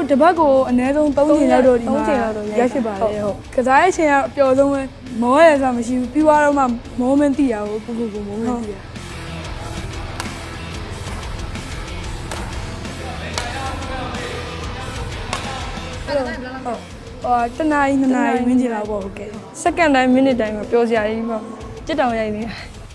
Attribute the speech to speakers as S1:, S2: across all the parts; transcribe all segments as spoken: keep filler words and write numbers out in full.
S1: တပတ်ကိုအနည်းဆုံး၃ချိန်လောက်တော့ဒီမှာရက်ဖြစ်ပါလေဟုတ်ကစားရဲ့ချိန်ကအပျော်ဆုံးပဲမောရဲဆိုတာမရှိဘူးပြီးသွားတော့မှမောမင်းသိရဘူးကိုကိုကိုမောမင်းသိရအော်တနားရီနှစ်နာရီဝန်းကျင်လောက်ပေါ့ဟုတ်ကဲ့စက္ကန့်တိုင်းမိနစ်တိုင်းမှာပျော်စရာကြီးပေါ့ကြစ်တောင်ရိုက်နေ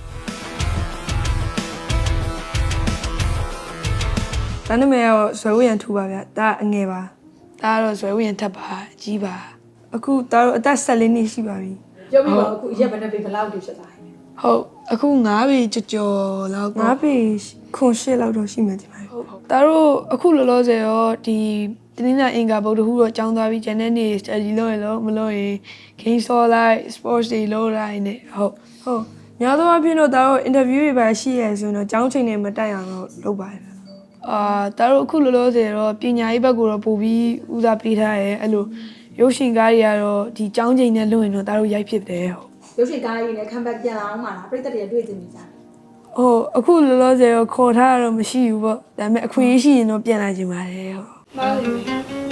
S1: ဒါနာမည်ကတော့ဇွဲဝရံထူပါဗျဒါအငယ်ပါဒါကတော့ဇွဲဝရံထပ်ပါအကြီးပါအခုဒါတော့အသက်၁၄နှစ်ရှိပါပြီ
S2: ပြောပြီးတော့အခုရက်ဘယ်နဲ့ဘယ်လောက်တိဖြစ်သွားလဲ
S1: ဟုတ်အခု၅ပေကြော်ကြော်လောက်၅ပေခွန်ရှစ်လောက်တော့ရှိမှတင်ပါဟုတ်ဟုတ်ဒါတော့အခုလောလောဆယ်ရောဒီတနင်္လာအင်္ဂါဗုဒ္ဓဟူးတော့ကျောင်းသွားပြီးဂျန်တဲ့နေ့ study လုပ်ရလို့မလုပ်ရင် game ဆော်လိုက် sports တွေလုပ်လိုက်နေဟုတ်ဟုတ်များသောအားဖြင့်တော့ဒါတော့ interview တွေပါရှိရဆိုရင်တော့ကျောင်းချိန်တွေမတက်အောင်တော့လုပ်ပါတယ်အာဒါတော့အခုလောလောဆယ်တော့ပညာရေးဘက်ကိုတော့ပို့ပြီးဦးစားပေးထားရဲအဲ့လိုရုပ်ရှင်ကားတွေကတော့ဒီကျောင်းချိန်နဲ့လွတ်ရင်တော့ဒါတို့ရိုက်ဖြစ်တယ်ဟုတ်
S2: ရုပ်ရှင်ကားကြီးနဲ့ခံပတ်ပြန်လာအောင်ပါလားပြည်သက်တွေတွေ့တင်နေကြတယ်
S1: ဟုတ်အခုလောလောဆယ်တော့ခေါ်ထားတော့မရှိဘူးပေါ့ဒါပေမဲ့အခွင့်အရေးရှိရင်တော့ပြန်လာကြပါတယ်ဟုတ်မှန်ပါဘူး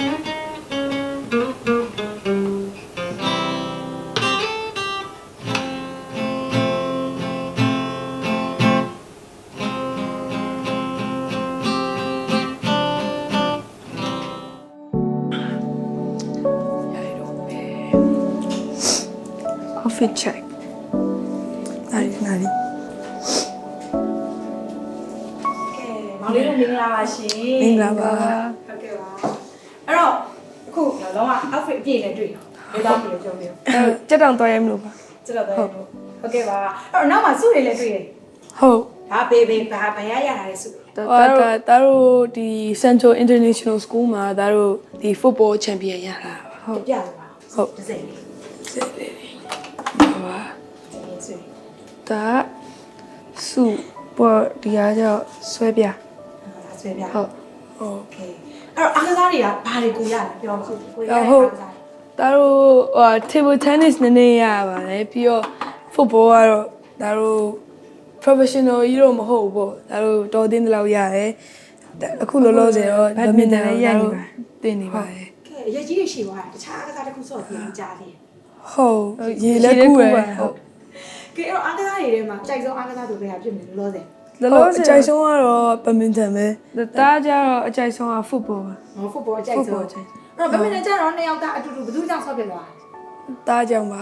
S1: fit check နားရီနားရီ
S2: ကဲမောင်လေးတို့မင်္ဂလာပါရှင်
S1: မင်္ဂလာပါ
S2: ဟုတ်ကဲ့ပါအဲ့တော့အခုလောက outfit အပြည့်နဲ့တွေ့တော့ဘယ်တော့ပြည့်ကြုံနေ
S1: အဲကြက်တောင်တော်ရဲမလို့ပါ
S2: ကြက်တောင်တော်ရဲလို့ဟုတ်ကဲ့ပါအဲ့တော့နောက်မှာစုတွေလည်းတွေ့တယ်
S1: ဟုတ်
S2: ဒါဘေဘေဘာဘာရရတာလဲစု
S1: ဒါဒါတို့ဒီ Central International School မှာဒါတို့ဒီ football champion ရတာ
S2: ဟုတ်ပြပါ
S1: ဟုတ်
S2: တစ်စိမ့်လေး
S1: စိတ်လေးပါဒါစုပေါ်ဒီအားကြောင့်ဆွဲပြ
S2: ဆွဲပြ
S1: ဟုတ်โอเค
S2: အဲ့တော့အားကစားတွေကဘာတွေကိုရလဲပြောပါဦးကိုရအားကစား
S1: ဒါတို့ဟို table tennis နည်းနည်းရပါတယ်ပြီးတော့ football ကတော့ဒါတို့ professional ကြီးတော့မဟုတ်ဘူးပေါ့ဒါတို့တော်တင်းတလောက်ရတယ်အခုလောလောဆယ်တော့ badminton လည်းရနေပါတင်နေပါတယ်
S2: ကဲရကြီးရရှိသွားတာတခြားအားကစားတစ်ခုဆော့ပြီးကြားသေးတယ်
S1: ဟုတ်ရေလက်ကူရဟုတ်
S2: ကဲအဲ့တော့အားကစားတွေထဲမှာကြိုက်ဆုံးအားကစားသူတွေကဖြစ်နေလို့လောဆယ်
S1: လောလောဆယ်အကြိုက်ဆုံးကတော့ badminton ပဲဒါကြတော့အကြိုက်ဆုံးက football ပါ
S2: ဟော football အကြိုက်ဆုံးအဲ့တော့ badminton ကျတော့နှစ်ယောက်သားအတူတူဘယ်သူကြောင့်ဆော့ဖြစ်သွား
S1: တာဒါကြောင့်ပါ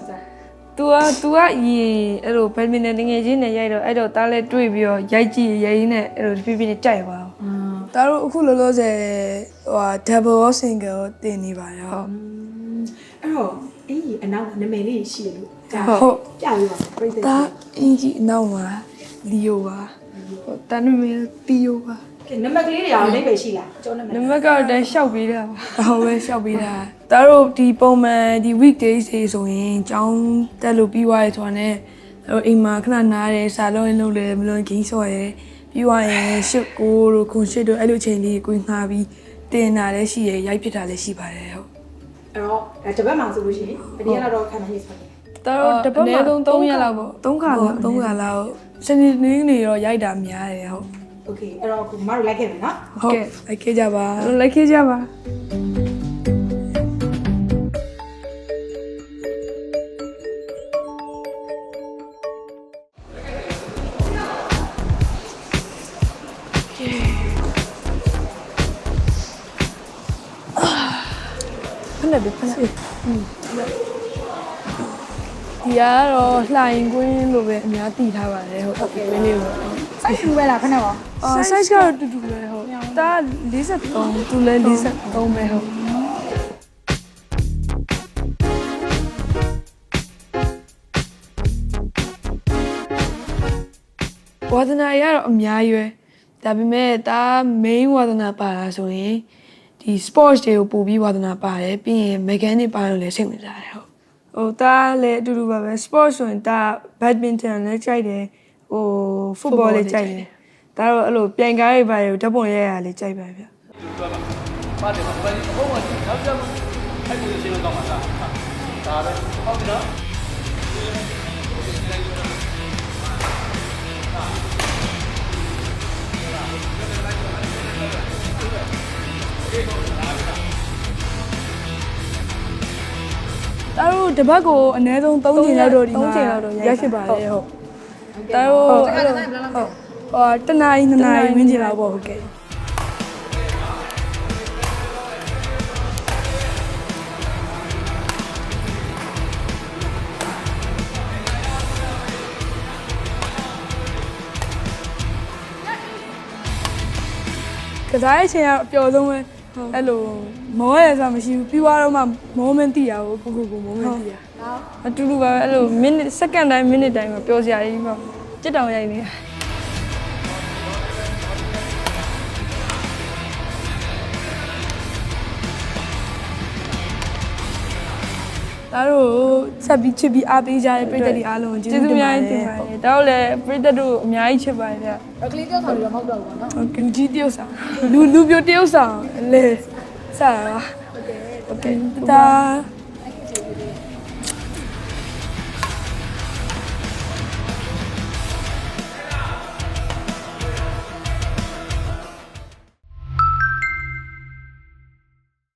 S1: तू อ่ะ तू อ่ะရင်အဲ့လို badminton တငယ်ချင်းနဲ့ရိုက်တော့အဲ့တော့တားလဲတွေ့ပြီးတော့ရိုက်ကြည့်ရိုက်ရင်းနဲ့အဲ့လိုတဖြည်းဖြည်းနဲ့ကြိုက်သွားအောင်ဒါတို့အခုလောလောဆယ်ဟို double or single တင်နေပါရော
S2: အဲ့တော့အင်းကြီးအနောက်ကနာမည်လေးရှိလို့ဟုတ်ပြပြီးပါပြိတ္တ
S1: ဒါအင်းကြီးအနောက်မှာလီယိုပါဟိုတန်နမည်တီယိုပါ
S2: ကဲနံပါတ်ကလေးတွေရောအိဗယ်ရှိလားကျောင်းနံပါတ်
S1: နံပါတ်ကတော့တန်းလျှောက်ပေးတာပါဟောပဲလျှောက်ပေးတာဒါတို့ဒီပုံမှန်ဒီ weekdays တွေဆိုရင်ကျောင်းတက်လို့ပြီးသွားရဆိုတာနဲ့အဲ့အိမ်မှာခဏနားတယ်စာလုံးလုံးလဲမလုံးဂိမ်းဆော့ရဲပြီးသွားရင်ရှစ်ကိုတို့ခွန်ရှစ်တို့အဲ့လိုချိန်လေးကိုငှားပြီးတင်တာလည်းရှိရရိုက်ဖြစ်တာလည်းရှိပါတယ်ဟုတ်
S2: အဲ့တော့တပတ်မှဆိုလို့ရှိရင်ဘယ်ရက်လောက်ခံမှရစေ
S1: ဒါတော့တပတ်မှအနည်းဆုံး၃ရက်လောက်ပေါ့၃ခါလောက်၃ခါလောက်စနေနေ့နေရောရိုက်တာများတယ်ဟုတ်
S2: โอเคအဲ့တော့အခုမတို့လိုက်ခဲ့မယ်နော်
S1: ဟုတ်လိုက်ခဲ့ကြပါလိုက်ခဲ့ကြပါဖက်လက်ပဲဖက်လက်ဒီကတော့လှိုင်ကွင်းလိုပဲအများသိထားပါတယ်ဟုတ်ကဲ့ကွင်းလေးကို
S2: စိုက်ထူပဲလားခဏပါ
S1: အော် size ကတော့တူတူပဲဟုတ်ဒါ၄၃သူလည်း၄၃ပဲဟုတ်ဝါသနာရတော့အများကြီးပဲဒါပေမဲ့ဒါ main ဝါသနာပါတာဆိုရင်ဒီ sports တွေကိုပို့ပြီးဝါသနာပါတယ်ပြီးရင် mechanic ပါလို့လည်းစိတ်ဝင်စားတယ်ဟုတ်ဟိုဒါလည်းအတူတူပါပဲ sports ဆိုရင်ဒါ badminton လည်းကြိုက်တယ်ဟို football လည်းကြိုက်တယ်ဒါတော့အဲ့လိုပြိုင်ကားတွေပါဓာတ်ပုံရိုက်ရလေးကြိုက်ပါဗျပါတယ်ဘာလဲဘုံကနောက်ကျမှအဲ့ဒီရှင်းလို့တော့မှာဒါဒါပဲဟုတ်ပြီနော်
S3: တပတ်ကိုအနည်းဆုံး၃ချိန်လောက်တော့ဒီမှာရရှိပါတယ်ဟုတ်ဒါတော့ဟုတ်ဟိုတနားရီနှစ်နာရီဝန်းကျင်လောက်ပေါ့ဟုတ်ကဲ့ကစားရဲ့ချိန်ကအပျော်ဆုံးပဲအဲ့လိုမောရဲဆိုမရှိဘူးပြီးသွားတော့မှမောမင်းတည်ရဘူးကိုကိုကိုမောမင်းတည်ရအတူတူပဲအဲ့လိုမိနစ်စက္ကန့်တိုင်းမိနစ်တိုင်းမှာပျော်စရာကြီးပေါ့ကြစ်တောင်ရိုက်နေတာဒါတို့ဆက်ပြီးချစ်ပြီးအားပေးကြတဲ့ပြည်သက်တွေအားလုံးကျေးဇူးများတင်ပါတယ်ဒါတော့လည်းပြည်သက်တို့အများကြီးချစ်ပါတယ်ဗျ
S2: ကလေးကြောက်ဆောင်ပြီးတော့မဟုတ်တော့ဘူးပေါ့နော်
S3: ဟုတ်ကဲ့ကြီးတယောက်ဆောင်လူလူပြိုတယောက်ဆောင်လေစားပါโอเคโอเคဒါ